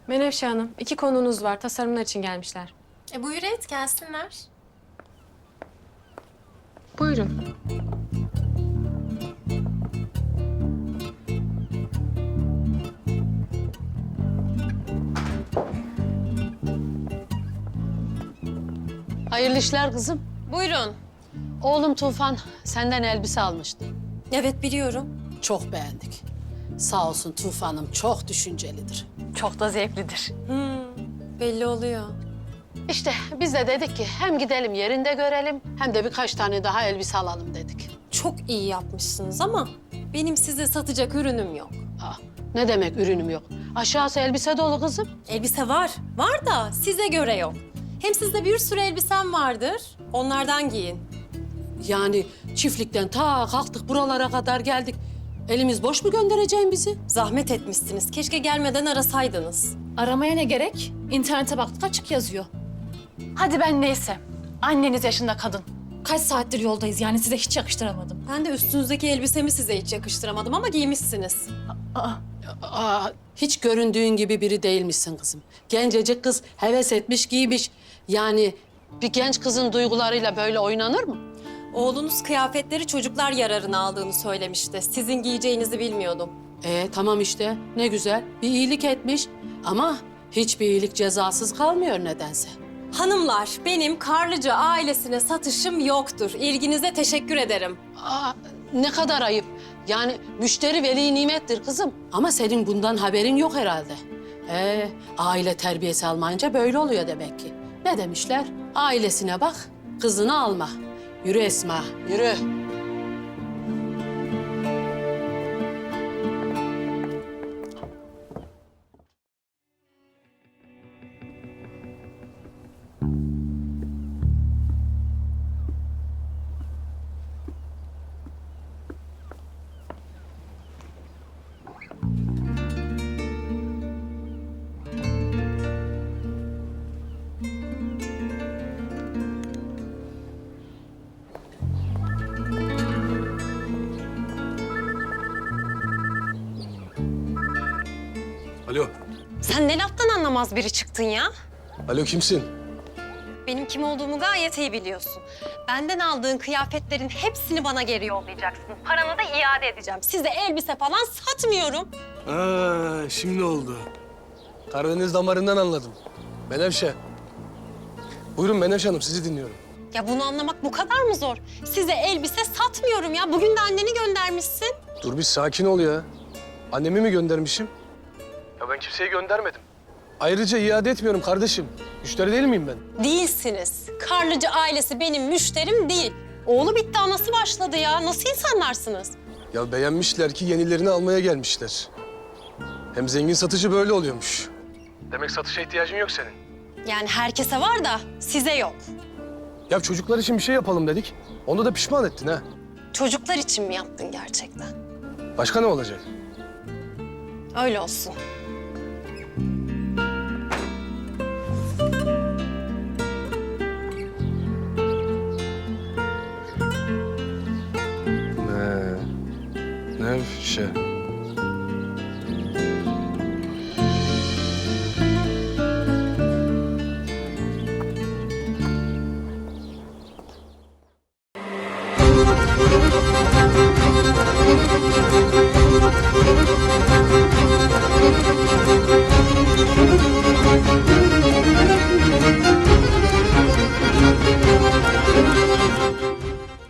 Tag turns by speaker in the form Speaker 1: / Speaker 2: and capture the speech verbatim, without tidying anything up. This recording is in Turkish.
Speaker 1: Menevşe Hanım, iki konuğunuz var. Tasarımlar için gelmişler.
Speaker 2: E buyur et, gelsinler.
Speaker 1: Buyurun.
Speaker 3: Hayırlı işler kızım.
Speaker 2: Buyurun.
Speaker 3: Oğlum Tufan senden elbise almıştı.
Speaker 2: Evet, biliyorum.
Speaker 3: Çok beğendik. Sağ olsun Tufan'ım çok düşüncelidir.
Speaker 4: Çok da zevklidir.
Speaker 2: Belli oluyor.
Speaker 3: İşte biz de dedik ki hem gidelim yerinde görelim hem de birkaç tane daha elbise alalım dedik.
Speaker 2: Çok iyi yapmışsınız ama benim size satacak ürünüm yok.
Speaker 3: Aa, ne demek ürünüm yok? Aşağısı elbise dolu kızım.
Speaker 2: Elbise var, var da size göre yok. Hem sizde bir sürü elbisem vardır, onlardan giyin.
Speaker 3: Yani çiftlikten ta kalktık buralara kadar geldik. Elimiz boş mu göndereceğin bizi?
Speaker 2: Zahmet etmişsiniz, keşke gelmeden arasaydınız.
Speaker 4: Aramaya ne gerek? İnternete baktık açık yazıyor. Hadi ben neyse. Anneniz yaşında kadın. Kaç saattir yoldayız yani size hiç yakıştıramadım.
Speaker 2: Ben de üstünüzdeki elbisemi size hiç yakıştıramadım ama giymişsiniz.
Speaker 4: Aa,
Speaker 3: Aa, hiç göründüğün gibi biri değilmişsin kızım. Gencecik kız heves etmiş giymiş. Yani bir genç kızın duygularıyla böyle oynanır mı?
Speaker 2: Oğlunuz kıyafetleri çocuklar yararına aldığını söylemişti. Sizin giyeceğinizi bilmiyordum.
Speaker 3: Ee, tamam işte ne güzel bir iyilik etmiş ama hiçbir iyilik cezasız kalmıyor nedense.
Speaker 2: Hanımlar, benim Karlıca ailesine satışım yoktur. İlginize teşekkür ederim.
Speaker 3: Aa, ne kadar ayıp. Yani müşteri veli nimettir kızım. Ama senin bundan haberin yok herhalde. Ee, aile terbiyesi almayınca böyle oluyor demek ki. Ne demişler? Ailesine bak, kızını alma. Yürü Esma, yürü.
Speaker 5: Alo.
Speaker 2: Sen ne laftan anlamaz biri çıktın ya?
Speaker 5: Alo kimsin?
Speaker 2: Benim kim olduğumu gayet iyi biliyorsun. Benden aldığın kıyafetlerin hepsini bana geri yollayacaksın. Paranı da iade edeceğim. Size elbise falan satmıyorum.
Speaker 5: Aa, şimdi oldu. Karadeniz damarından anladım. Menevşe. Buyurun Menevşe Hanım, sizi dinliyorum.
Speaker 2: Ya bunu anlamak bu kadar mı zor? Size elbise satmıyorum ya. Bugün de anneni göndermişsin.
Speaker 5: Dur bir sakin ol ya. Annemi mi göndermişim? Ya ben kimseyi göndermedim. Ayrıca iade etmiyorum kardeşim. Müşteri değil miyim ben?
Speaker 2: Değilsiniz. Karlıcı ailesi benim müşterim değil. Oğlu bitti, anası başladı ya. Nasıl insanlarsınız?
Speaker 5: Ya beğenmişler ki yenilerini almaya gelmişler. Hem zengin satıcı böyle oluyormuş. Demek satışa ihtiyacın yok senin.
Speaker 2: Yani herkese var da size yok.
Speaker 5: Ya çocuklar için bir şey yapalım dedik. Onda da pişman ettin ha.
Speaker 2: Çocuklar için mi yaptın gerçekten?
Speaker 5: Başka ne olacak?
Speaker 2: Öyle olsun.
Speaker 5: Ne? Nevşe.